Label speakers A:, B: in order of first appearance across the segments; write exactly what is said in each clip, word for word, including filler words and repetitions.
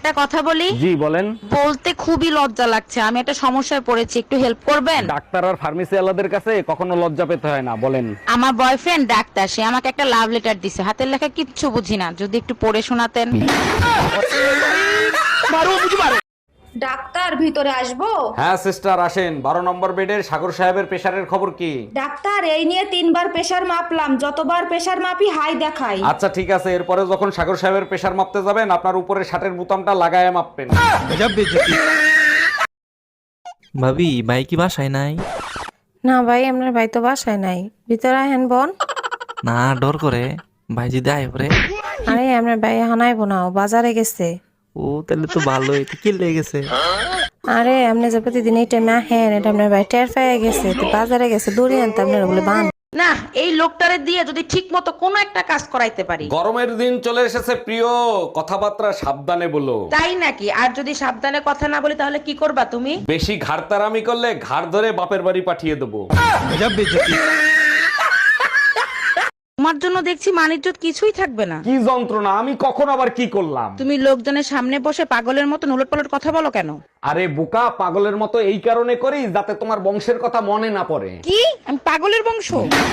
A: একটা কথা বলি।
B: জি বলেন।
A: বলতে খুবই লজ্জা লাগছে, আমি একটা সমস্যায় পড়েছি, একটু হেল্প করবেন?
B: ডাক্তার আর ফার্মেসি ওয়ালাদের কাছে কখনো লজ্জা পেতে হয় না, বলেন।
A: আমার বয়ফ্রেন্ড ডাক্তার, সে আমাকে একটা লাভ লেটার দিছে, হাতের লেখা কিচ্ছু বুঝি না, যদি একটু পড়ে শোনাতেন।
C: ডাক্তার ভিতরে আসবো?
B: হ্যাঁ সিস্টার আসেন। বারো নম্বর বেডের সাগর সাহেবের প্রেশারের খবর কি?
C: ডাক্তার এই নিয়ে তিনবার প্রেসার মাপলাম, যতবার প্রেসার মাপি হাই দেখাই।
B: আচ্ছা ঠিক আছে, এরপরে যখন সাগর সাহেবের প্রেশার মাপতে যাবেন আপনার উপরে শার্টের বোতামটা লাগায় মাপবেন।
D: ভাবি ভাই কি বাসায় নাই?
E: না ভাই, আপনার ভাই তো বাসায় নাই, ভিতরে আহেন বোন।
D: না ডর করে ভাই যদি আয় পরে।
E: আরে আপনার ভাই হানাইবো না, ও বাজারে গেছে।
D: ও তাহলে তো ভালোই, তো কি লেগে গেছে?
E: আরে আপনি যে প্রতিদিন এই টাইমে আহেন, এটা আপনার ভাই টের পেয়ে গেছে, তো বাজারে গেছে, দড়ি আনতে আপনার বলে বান।
A: না, এই লোকটারে দিয়ে যদি ঠিক মতো কোনো একটা কাজ করাইতে পারি।
B: গরমের দিন চলে এসেছে প্রিয়, কথাবার্তা সাবধানে বলো।
A: তাই নাকি? আর যদি সাবধানে কথা না বলি তাহলে কি করবা তুমি?
B: বেশি ঘাড়তারামি করলে ঘাড় ধরে বাপের বাড়ি পাঠিয়ে দেবো।
A: তোমার জন্য দেখছি মানিজ্জত কিছুই থাকবে না।
B: কি যন্ত্রণা, আমি কখন আবার কি করলাম?
A: তুমি লোকজনের সামনে বসে পাগলের মতো উলট পালট কথা বলো কেন?
B: আরে বোকা, পাগলের মতো এই কারণে করি যাতে তোমার বংশের কথা মনে না পড়ে।
A: কি আমি পাগলের বংশ?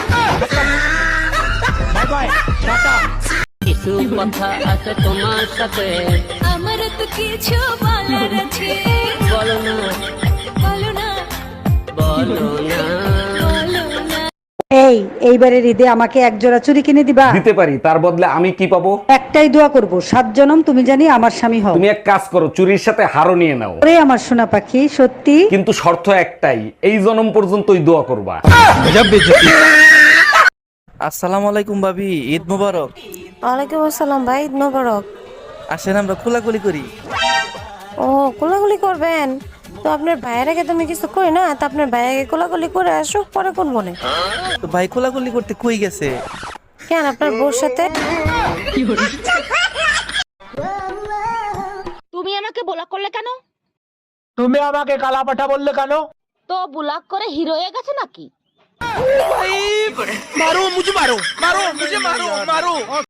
F: কিছু কথা আছে তোমার সাথে,
G: আমার তো কিছু বলার আছে,
F: বলো না
G: বলো না,
F: বলো না।
G: বলো না।
H: এই এইবারের ঈদে আমাকে এক জোড়া চুড়ি কিনে দিবা?
B: দিতে পারি, তার বদলে আমি কি পাবো?
H: একটাই দোয়া করব, সাত জনম তুমি জানি আমার স্বামী হও।
B: তুমি এক কাজ করো, চুরির সাথে হারও নিয়ে নাও।
H: ওরে আমার সোনা পাখি, সত্যি?
B: কিন্তু শর্ত একটাই, এই জনম পর্যন্তই দোয়া করবা।
D: আসসালামু আলাইকুম ভাবি, ঈদ মোবারক।
E: ওয়ালাইকুম আসসালাম ভাই, ঈদ মোবারক।
D: আসেন আমরা কোলাকুলি করি।
E: ও কোলাকুলি করবেন? তো আপনার ভাইয়ের আগে তুমি কিছু কই না, তো আপনার ভাই আগে কোলাকুলি করে আসো, পরে কোন বনে।
D: তো ভাই কোলাকুলি করতে কই গেছে?
E: কেন আপনার বউর সাথে?
G: তুমি আমাকে ব্লক করলে কেন?
I: তুমি আমাকে কালা পাঠা বললে কেন?
G: তো ব্লক করে হিরো হয়ে গেছে নাকি?
I: মারো মুঝে মারো মারো মুঝে মারো মারো